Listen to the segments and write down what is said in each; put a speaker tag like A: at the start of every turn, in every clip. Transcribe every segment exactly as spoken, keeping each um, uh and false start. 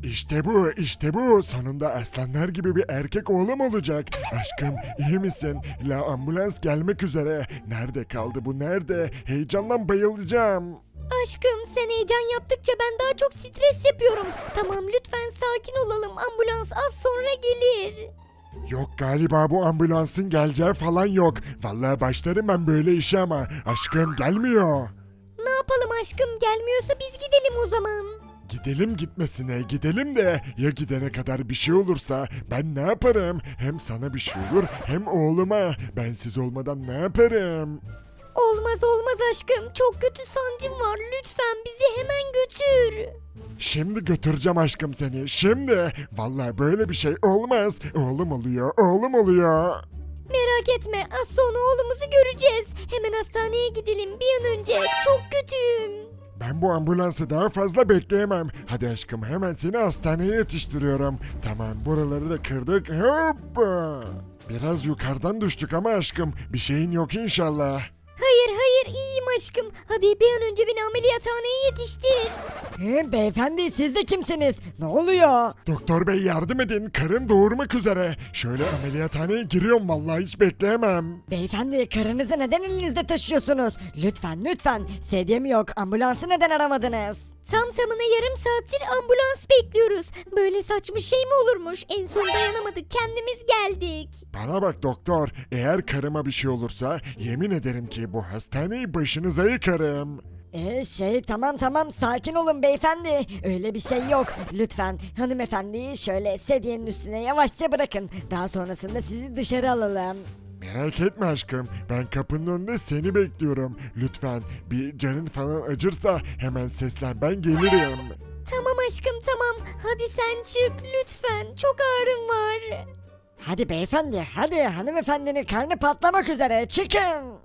A: İşte bu, işte bu. Sonunda aslanlar gibi bir erkek oğlum olacak. Aşkım, iyi misin? La ambulans gelmek üzere. Nerede kaldı bu, nerede? Heyecandan bayılacağım.
B: Aşkım sen heyecan yaptıkça ben daha çok stres yapıyorum. Tamam lütfen sakin olalım. Ambulans az sonra gelir.
A: Yok galiba bu ambulansın geleceği falan yok. Vallahi başlarım ben böyle işe ama. Aşkım gelmiyor.
B: Ne yapalım aşkım gelmiyorsa biz gidelim o zaman.
A: Gidelim gitmesine, gidelim de ya gidene kadar bir şey olursa ben ne yaparım? Hem sana bir şey olur hem oğluma. Bensiz olmadan ne yaparım?
B: Olmaz olmaz aşkım. Çok kötü sancım var. Lütfen bizi hemen götür.
A: Şimdi götüreceğim aşkım seni, şimdi. Vallahi böyle bir şey olmaz. Oğlum oluyor, oğlum oluyor.
B: Merak etme az sonra oğlumuzu göreceğiz. Hemen hastaneye gidelim bir an önce. Çok kötüyüm.
A: Ben bu ambulansı daha fazla bekleyemem. Hadi aşkım hemen seni hastaneye yetiştiriyorum. Tamam buraları da kırdık. Hoppa. Biraz yukarıdan düştük ama aşkım bir şeyin yok inşallah.
B: Hayır hayır iyiyim aşkım. Hadi bir an önce beni ameliyathaneye yetiştir.
C: He, beyefendi siz de kimsiniz? Ne oluyor?
A: Doktor bey yardım edin, karım doğurmak üzere. Şöyle ameliyathaneye giriyorum vallahi hiç bekleyemem.
C: Beyefendi karınızı neden elinizde taşıyorsunuz? Lütfen lütfen. Sedyem yok. Ambulansı neden aramadınız?
B: Tam tamına yarım saattir ambulans bekliyoruz. Böyle saçma şey mi olurmuş? En son dayanamadık kendimiz geldik.
A: Bana bak doktor, eğer karıma bir şey olursa yemin ederim ki bu hastaneyi başınıza yıkarım.
C: Ee şey tamam tamam sakin olun beyefendi. Öyle bir şey yok. Lütfen hanımefendiyi şöyle sedyenin üstüne yavaşça bırakın. Daha sonrasında sizi dışarı alalım.
A: Merak etme aşkım, ben kapının önünde seni bekliyorum. Lütfen bir canın falan acırsa hemen seslen, ben gelirim.
B: Tamam aşkım tamam. Hadi sen çık lütfen. Çok ağrım var.
C: Hadi beyefendi hadi hanımefendinin karnı patlamak üzere çıkın.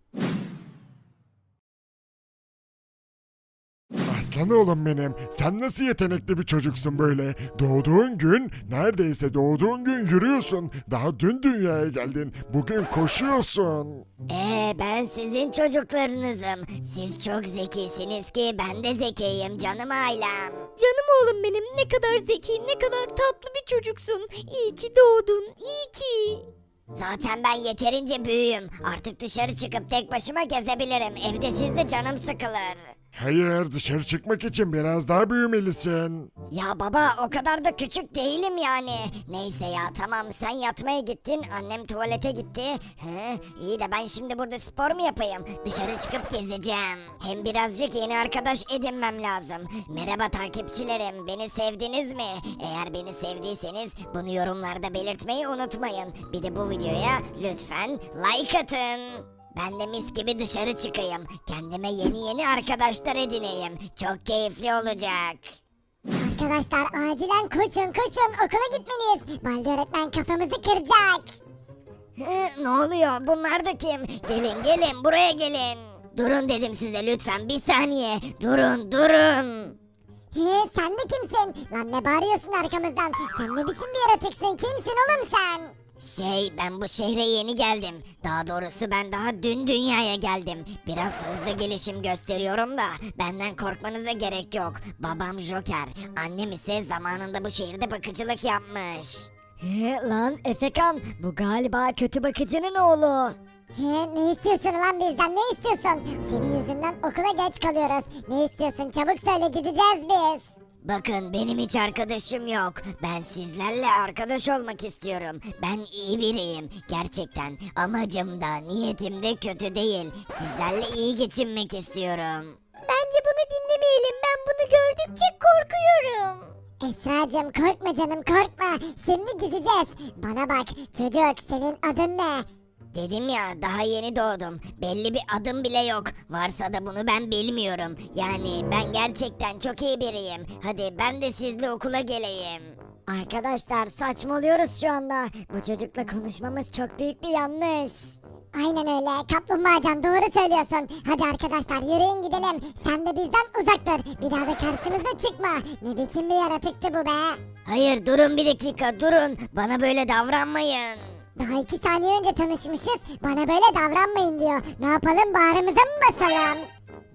A: Aslan oğlum benim, sen nasıl yetenekli bir çocuksun böyle? Doğduğun gün, neredeyse doğduğun gün yürüyorsun. Daha dün dünyaya geldin, bugün koşuyorsun.
D: Ee ben sizin çocuklarınızım. Siz çok zekisiniz ki ben de zekiyim canım ailem.
B: Canım oğlum benim ne kadar zeki ne kadar tatlı bir çocuksun. İyi ki doğdun iyi ki.
D: Zaten ben yeterince büyüğüm. Artık dışarı çıkıp tek başıma gezebilirim. Evde sizde canım sıkılır.
A: Hayır, dışarı çıkmak için biraz daha büyümelisin.
D: Ya baba o kadar da küçük değilim yani. Neyse ya tamam sen yatmaya gittin. Annem tuvalete gitti. Hı, iyi de ben şimdi burada spor mu yapayım? Dışarı çıkıp gezeceğim. Hem birazcık yeni arkadaş edinmem lazım. Merhaba takipçilerim. Beni sevdiniz mi? Eğer beni sevdiyseniz bunu yorumlarda belirtmeyi unutmayın. Bir de bu videoya lütfen like atın. Ben de mis gibi dışarı çıkayım. Kendime yeni yeni arkadaşlar edineyim. Çok keyifli olacak.
E: Arkadaşlar acilen koşun koşun okula gitmeliyiz. Baldi öğretmen kafamızı kıracak.
D: Hı, ne oluyor? Bunlar da kim? Gelin gelin buraya gelin. Durun dedim size lütfen bir saniye. Durun durun.
E: He, sen de kimsin? Lan ne bağırıyorsun arkamızdan? Sen ne biçim bir yaratıksın? Kimsin oğlum sen?
D: Şey ben bu şehre yeni geldim. Daha doğrusu ben daha dün dünyaya geldim. Biraz hızlı gelişim gösteriyorum da benden korkmanıza gerek yok. Babam Joker. Annem ise zamanında bu şehirde bakıcılık yapmış.
C: He lan Efekan bu galiba kötü bakıcının oğlu.
E: He, ne istiyorsun lan bizden ne istiyorsun? Senin yüzünden okula geç kalıyoruz. Ne istiyorsun çabuk söyle gideceğiz biz.
D: Bakın benim hiç arkadaşım yok. Ben sizlerle arkadaş olmak istiyorum. Ben iyi biriyim. Gerçekten amacım da niyetim de kötü değil. Sizlerle iyi geçinmek istiyorum.
E: Bence bunu dinlemeyelim. Ben bunu gördükçe korkuyorum. Esra'cığım korkma canım korkma. Şimdi gideceğiz. Bana bak çocuk senin adın ne?
D: Dedim ya daha yeni doğdum. Belli bir adım bile yok. Varsa da bunu ben bilmiyorum. Yani ben gerçekten çok iyi biriyim. Hadi ben de sizle okula geleyim.
C: Arkadaşlar saçmalıyoruz şu anda. Bu çocukla konuşmamız çok büyük bir yanlış.
E: Aynen öyle kaplumbağacan doğru söylüyorsun. Hadi arkadaşlar yürüyün gidelim. Sen de bizden uzak dur. Bir daha da karşımıza çıkma. Ne biçim bir yaratıktı bu be.
D: Hayır durun bir dakika durun. Bana böyle davranmayın.
E: Daha iki saniye önce tanışmışız. Bana böyle davranmayın diyor. Ne yapalım bağrımıza mı basalım?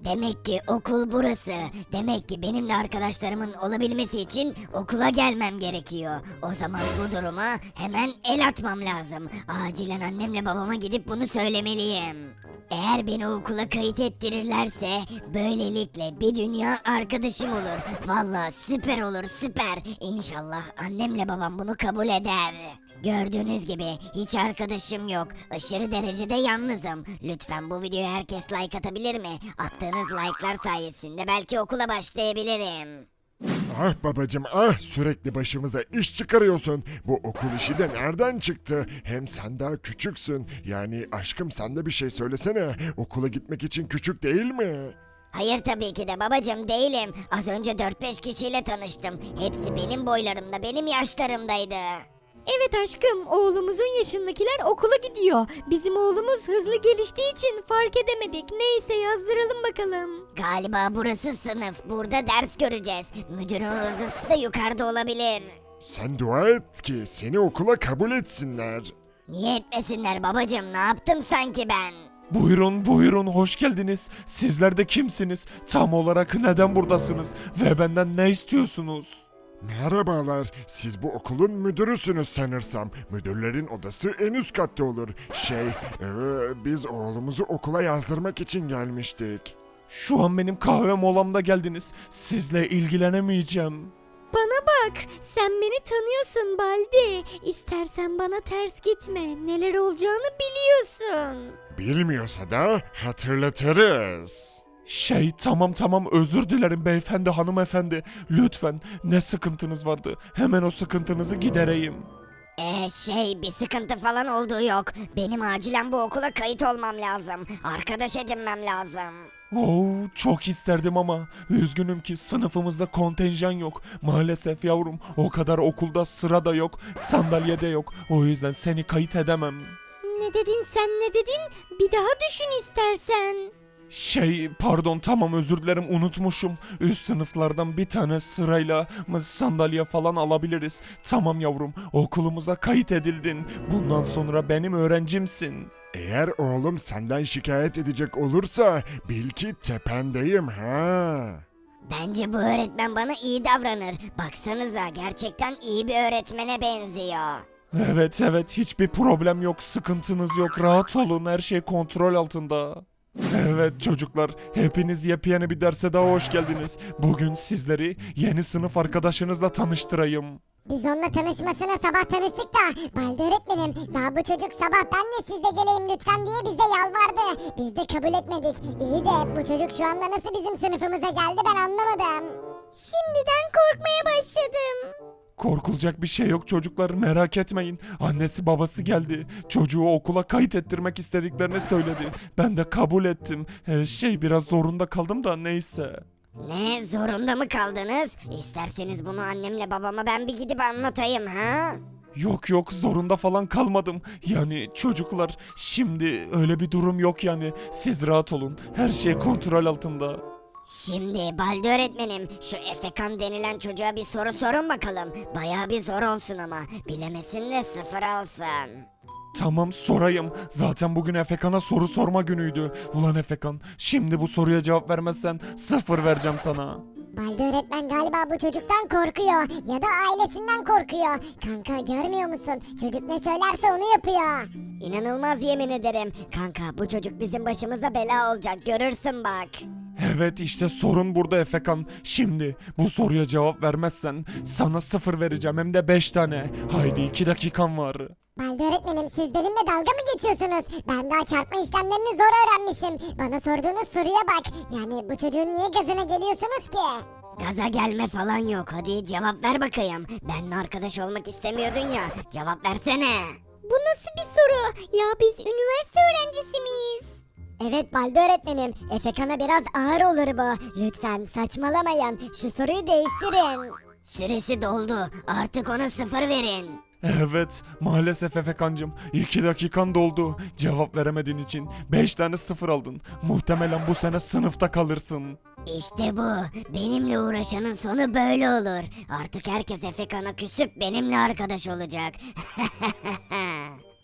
D: Demek ki okul burası. Demek ki benimle arkadaşlarımın olabilmesi için okula gelmem gerekiyor. O zaman bu duruma hemen el atmam lazım. Acilen annemle babama gidip bunu söylemeliyim. Eğer beni okula kayıt ettirirlerse böylelikle bir dünya arkadaşım olur. Vallahi süper olur, süper. İnşallah annemle babam bunu kabul eder. Gördüğünüz gibi hiç arkadaşım yok. Aşırı derecede yalnızım. Lütfen bu videoya herkes like atabilir mi? Attığınız like'lar sayesinde belki okula başlayabilirim.
A: Ah babacım ah, sürekli başımıza iş çıkarıyorsun. Bu okul işi de nereden çıktı? Hem sen daha küçüksün. Yani aşkım, sen de bir şey söylesene. Okula gitmek için küçük değil mi?
D: Hayır tabii ki de babacım, değilim. Az önce dört beş kişiyle tanıştım. Hepsi benim boylarımda, benim yaşlarımdaydı.
B: Evet aşkım, oğlumuzun yaşındakiler okula gidiyor. Bizim oğlumuz hızlı geliştiği için fark edemedik. Neyse, yazdıralım bakalım.
D: Galiba burası sınıf. Burada ders göreceğiz. Müdürün odası da yukarıda olabilir.
A: Sen dua et ki seni okula kabul etsinler.
D: Niye etmesinler babacım? Ne yaptım sanki ben?
F: Buyurun buyurun, hoş geldiniz. Sizler de kimsiniz? Tam olarak neden buradasınız? Ve benden ne istiyorsunuz?
A: Merhabalar, siz bu okulun müdürüsünüz sanırsam. Müdürlerin odası en üst katta olur. Şey, ee, biz oğlumuzu okula yazdırmak için gelmiştik.
F: Şu an benim kahve molamda geldiniz. Sizle ilgilenemeyeceğim.
B: Bana bak, sen beni tanıyorsun Baldi. İstersen bana ters gitme. Neler olacağını biliyorsun.
A: Bilmiyorsa da hatırlatırız.
F: Şey, tamam tamam, özür dilerim beyefendi, hanımefendi. Lütfen, ne sıkıntınız vardı? Hemen o sıkıntınızı gidereyim.
D: Ee şey, bir sıkıntı falan olduğu yok. Benim acilen bu okula kayıt olmam lazım. Arkadaş edinmem lazım.
F: Oo, çok isterdim ama üzgünüm ki sınıfımızda kontenjan yok. Maalesef yavrum, o kadar okulda sıra da yok, sandalye de yok. O yüzden seni kayıt edemem.
B: Ne dedin sen, ne dedin? Bir daha düşün istersen.
F: Şey, pardon, tamam, özür dilerim, unutmuşum. Üst sınıflardan bir tane sırayla mı sandalye falan alabiliriz. Tamam yavrum, okulumuza kayıt edildin. Bundan sonra benim öğrencimsin.
A: Eğer oğlum senden şikayet edecek olursa bil ki tependeyim ha.
D: Bence bu öğretmen bana iyi davranır. Baksanıza, gerçekten iyi bir öğretmene benziyor.
F: Evet evet, hiçbir problem yok, sıkıntınız yok, rahat olun, her şey kontrol altında. Evet çocuklar, hepiniz yepyeni bir derse daha hoş geldiniz. Bugün sizleri yeni sınıf arkadaşınızla tanıştırayım.
E: Biz onunla tanışmasına sabah tanıştık da Balde öğretmenim, daha bu çocuk sabah ben de sizle geleyim lütfen diye bize yalvardı. Biz de kabul etmedik. İyi de bu çocuk şu anda nasıl bizim sınıfımıza geldi ben anlamadım.
B: Şimdiden korkmaya başladım.
F: Korkulacak bir şey yok çocuklar, merak etmeyin. Annesi babası geldi. Çocuğu okula kayıt ettirmek istediklerini söyledi. Ben de kabul ettim. Ee, şey, biraz zorunda kaldım da neyse.
D: Ne, zorunda mı kaldınız? İsterseniz bunu annemle babama ben bir gidip anlatayım ha?
F: Yok yok, zorunda falan kalmadım. Yani çocuklar, şimdi öyle bir durum yok yani. Siz rahat olun. Her şey kontrol altında.
D: Şimdi Balde öğretmenim, şu Efekan denilen çocuğa bir soru sorun bakalım. Bayağı bir zor olsun ama. Bilemesin de sıfır alsın.
F: Tamam, sorayım. Zaten bugün Efekan'a soru sorma günüydü. Ulan Efekan, şimdi bu soruya cevap vermezsen sıfır vereceğim sana.
E: Balde öğretmen galiba bu çocuktan korkuyor ya da ailesinden korkuyor. Kanka görmüyor musun? Çocuk ne söylerse onu yapıyor.
D: İnanılmaz, yemin ederim. Kanka, bu çocuk bizim başımıza bela olacak, görürsün bak.
F: Evet, işte sorun burada Efekan. Şimdi bu soruya cevap vermezsen sana sıfır vereceğim, hem de beş tane. Haydi, iki dakikan var.
E: Balde öğretmenim siz benimle dalga mı geçiyorsunuz? Ben daha çarpma işlemlerini zor öğrenmişim. Bana sorduğunuz soruya bak. Yani bu çocuğun niye gazına geliyorsunuz ki?
D: Gaza gelme falan yok, hadi cevap ver bakayım. Benimle arkadaş olmak istemiyordun ya, cevap versene.
B: Bu nasıl bir soru? Ya biz üniversite öğrencisi miyiz?
E: Evet Balde öğretmenim. Efekan'a biraz ağır olur bu. Lütfen saçmalamayın. Şu soruyu değiştirin.
D: Süresi doldu, artık ona sıfır verin.
F: Evet, maalesef Efekancım, iki dakikan doldu. Cevap veremediğin için beş tane sıfır aldın. Muhtemelen bu sene sınıfta kalırsın.
D: İşte bu. Benimle uğraşanın sonu böyle olur. Artık herkes Efekan'a küsüp benimle arkadaş olacak.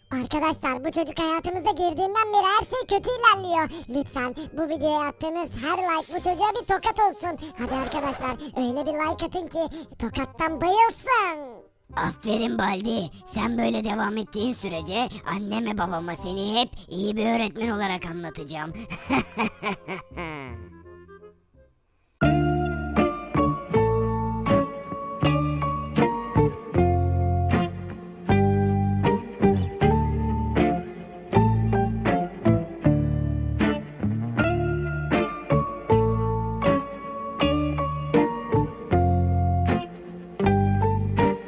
E: Arkadaşlar bu çocuk hayatımıza girdiğinden beri her şey kötü ilerliyor. Lütfen bu videoya attığınız her like bu çocuğa bir tokat olsun. Hadi arkadaşlar öyle bir like atın ki tokattan bayılsın.
D: Aferin Baldi. Sen böyle devam ettiğin sürece anneme babama seni hep iyi bir öğretmen olarak anlatacağım.